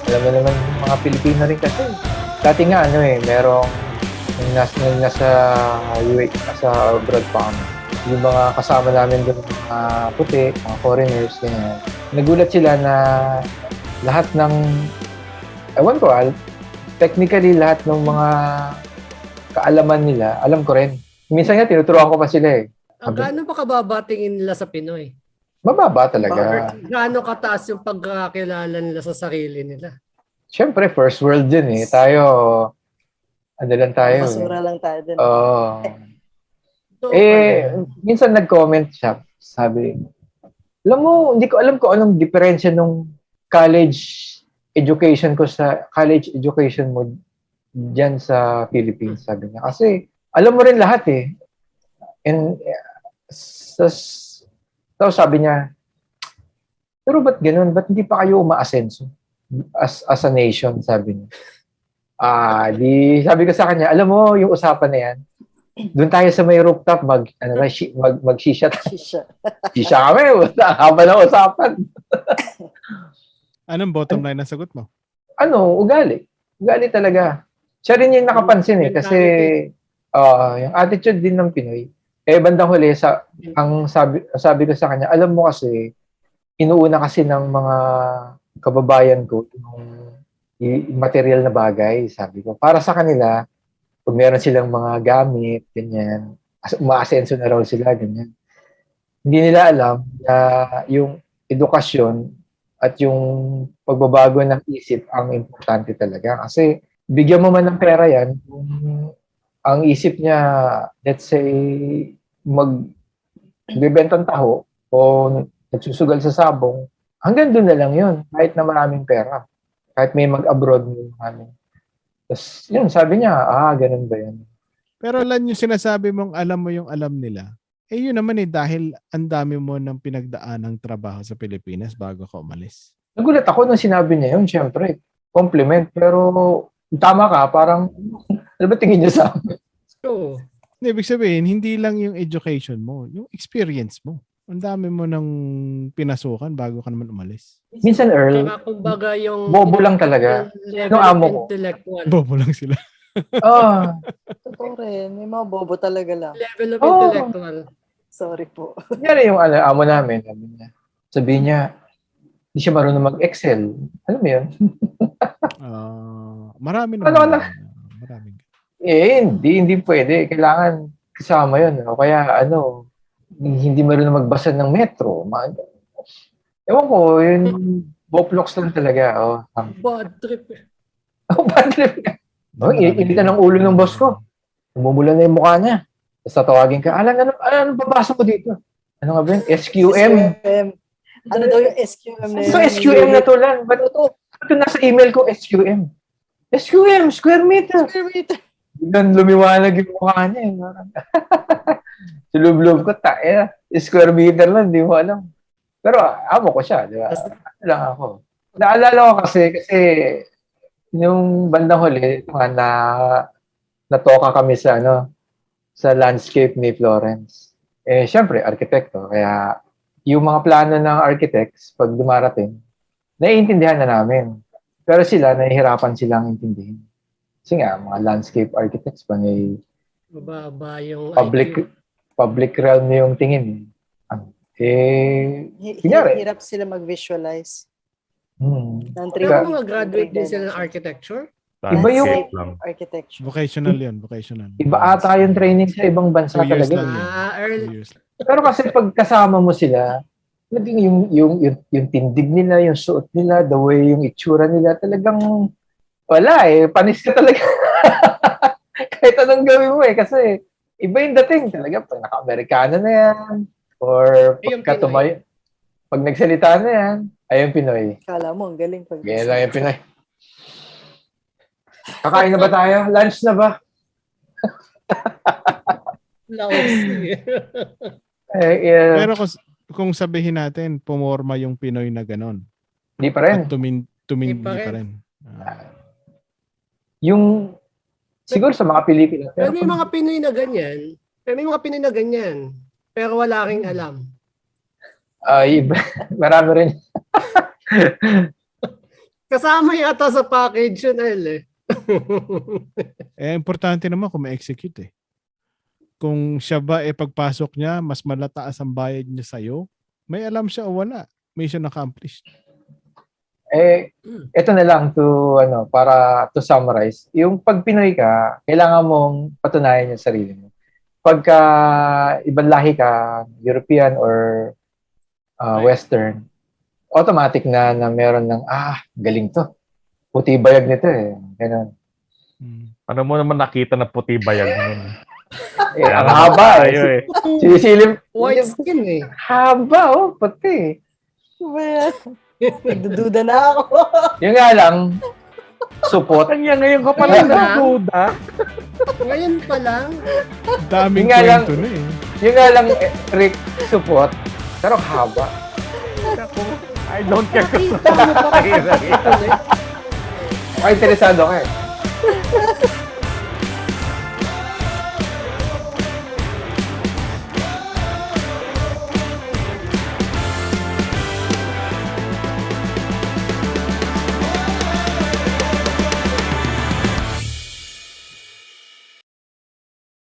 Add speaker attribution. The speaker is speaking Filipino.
Speaker 1: Alam mo naman yung mga Pilipino rin kasi. Dati nga merong nung nasa UAE, nasa abroad pa kami. Yung mga kasama namin doon, mga puti, mga foreigners, ganyan. Nagulat sila na lahat ng, ewan ko, technically lahat ng mga kaalaman nila, alam ko rin. Minsan nga, tinuturuan ko pa sila eh.
Speaker 2: Gaano ba kababa tingin nila sa Pinoy?
Speaker 1: Mababa talaga.
Speaker 2: Gaano kataas yung pagkakilala nila sa sarili nila?
Speaker 1: Siyempre, first world din eh. Tayo, ano lang tayo eh.
Speaker 3: Basura lang tayo din.
Speaker 1: Oo.
Speaker 2: So,
Speaker 1: Minsan nag-comment siya, sabi, alam mo, hindi ko alam kung anong diferensya nung college education ko sa college education mo dyan sa Philippines, sabi niya. Kasi, alam mo rin lahat eh. And, so sabi niya, pero ba't ganun? Ba't hindi pa kayo umaasenso as a nation, sabi niya. Sabi ko sa kanya, alam mo, yung usapan na yan, doon tayo sa may rooftop, mag-shisha. Shisha kami, haba ng usapan.
Speaker 4: Anong bottom line na sagot mo?
Speaker 1: Ugali. Ugali talaga. Siya rin yung nakapansin eh, kasi yung attitude din ng Pinoy. Bandang huli, ang sabi ko sa kanya, alam mo kasi, inuuna kasi ng mga kababayan ko yung material na bagay, sabi ko. Para sa kanila, pag meron silang mga gamit, ganyan, umaasenso na raw sila, ganyan. Hindi nila alam na yung edukasyon at yung pagbabago ng isip ang importante talaga. Kasi bigyan mo man ng pera yan, kung ang isip niya, let's say, magbibentang taho o nagsusugal sa sabong, hanggang doon na lang yun, kahit na maraming pera. Kahit may mag-abroad mo namin. Tapos yun, sabi niya, ganun ba yun?
Speaker 4: Pero Lan, yung sinasabi mong alam mo yung alam nila, yun naman dahil ang dami mo ng pinagdaan ng trabaho sa Pilipinas bago ka umalis.
Speaker 1: Nagulat ako nung sinabi niya yun, syempre. Compliment. Pero tama ka, parang, ano ba tingin niya sa amin?
Speaker 2: So,
Speaker 4: ibig sabihin, hindi lang yung education mo, yung experience mo. Ang dami mo ng pinasukan bago ka naman umalis.
Speaker 1: Minsan, Earl,
Speaker 2: kumbaga yung
Speaker 1: bobo lang talaga.
Speaker 2: level
Speaker 1: Nung
Speaker 2: of
Speaker 1: amo ko.
Speaker 2: intellectual.
Speaker 4: Bobo lang sila.
Speaker 3: Totoo rin. May mga bobo talaga lang.
Speaker 2: Level of intellectual.
Speaker 3: Sorry po.
Speaker 1: Yan yung amo namin. Sabi niya, hindi siya marunong mag-Excel. Alam mo yun?
Speaker 4: Marami naman. Marami.
Speaker 1: Hindi pwede. Kailangan kasama yun. O kaya, hindi marunong magbasa ng metro. Ewan ko, yun, boplox lang talaga.
Speaker 2: Bad trip.
Speaker 1: Bad trip ka. Initan ng ulo ng boss ko. Umumula na yung mukha niya. Tapos tatawagin ka, anong babasa ko dito? Ano nga ba yun? SQM.
Speaker 3: Ano daw yung SQM na yun?
Speaker 1: So, SQM na to lang. Ba't ito nasa email ko, SQM? SQM, square meter.
Speaker 3: Square meter.
Speaker 1: Biglang lumiwanag yung mukha niya. Sulub-lub ko, square meter lang, di mo alam. Pero amo ko siya, di ba? Ano lang ako. Naalala ko kasi yung bandang huli, natoka kami sa landscape ni Florence. Siyempre, arkitekto. Kaya yung mga plano ng architects, pag dumarating, naiintindihan na namin. Pero sila, nahihirapan silang intindihin. Kasi nga, mga landscape architects pa
Speaker 2: Mababa yung
Speaker 1: public realm yung tingin.
Speaker 3: Hirap sila mag-visualize.
Speaker 2: Pero mga graduate din sila ng architecture?
Speaker 1: Iba yung
Speaker 3: architecture.
Speaker 4: Vocational yun, vocational.
Speaker 1: Iba ata yung training sa ibang bansa talaga. Pero kasi pag kasama mo sila, yung tindig nila, yung suot nila, the way yung itsura nila, talagang wala panis ka talaga. Kahit anong gawin mo kasi iba yung dating talaga pag naka-Amerikano na yan or pag nagsalita na yan, ayun Pinoy.
Speaker 3: Kala mo, ang galing pag
Speaker 1: ganyan lang yung Pinoy. Kakain na ba tayo? Lunch na ba?
Speaker 4: Pero kung sabihin natin, pumorma yung Pinoy na ganon.
Speaker 1: Hindi pa rin.
Speaker 4: At tumindi pa rin.
Speaker 1: Yung siguro sa mga Pilipino.
Speaker 2: Pero may mga Pinoy na ganyan. Pero wala ring alam.
Speaker 1: Marami rin.
Speaker 2: Kasama yata sa package yun, El eh.
Speaker 4: Importante naman kung ma-execute eh. Kung siya ba pagpasok niya, mas malataas ang bayad niya sa'yo, may alam siya o wala. Mission accomplished.
Speaker 1: Ito na lang para to summarize. Yung pag Pinoy ka, kailangan mong patunayan yung sarili mo. Pagka ibang lahi ka, European or Western, automatic na meron ng, galing to. Puti bayag nito eh. Ganun.
Speaker 5: Ano mo naman nakita na puti bayag nun?
Speaker 1: Ang haba eh. Sinisilip.
Speaker 2: White skin eh.
Speaker 1: Haba, puti.
Speaker 3: Nagdududa na ako.
Speaker 1: Yung nga lang, supot.
Speaker 5: Kanya ngayon ka pala
Speaker 2: Ngayon lang?
Speaker 5: nagduda.
Speaker 2: Ngayon pa lang.
Speaker 4: Daming
Speaker 1: Yung nga lang-
Speaker 4: kwento na eh.
Speaker 1: Yung nga lang, Rick, supot. Pero haba.
Speaker 5: I don't care.
Speaker 2: Nakita mo pa.
Speaker 5: Ay,
Speaker 1: Interesado ka eh.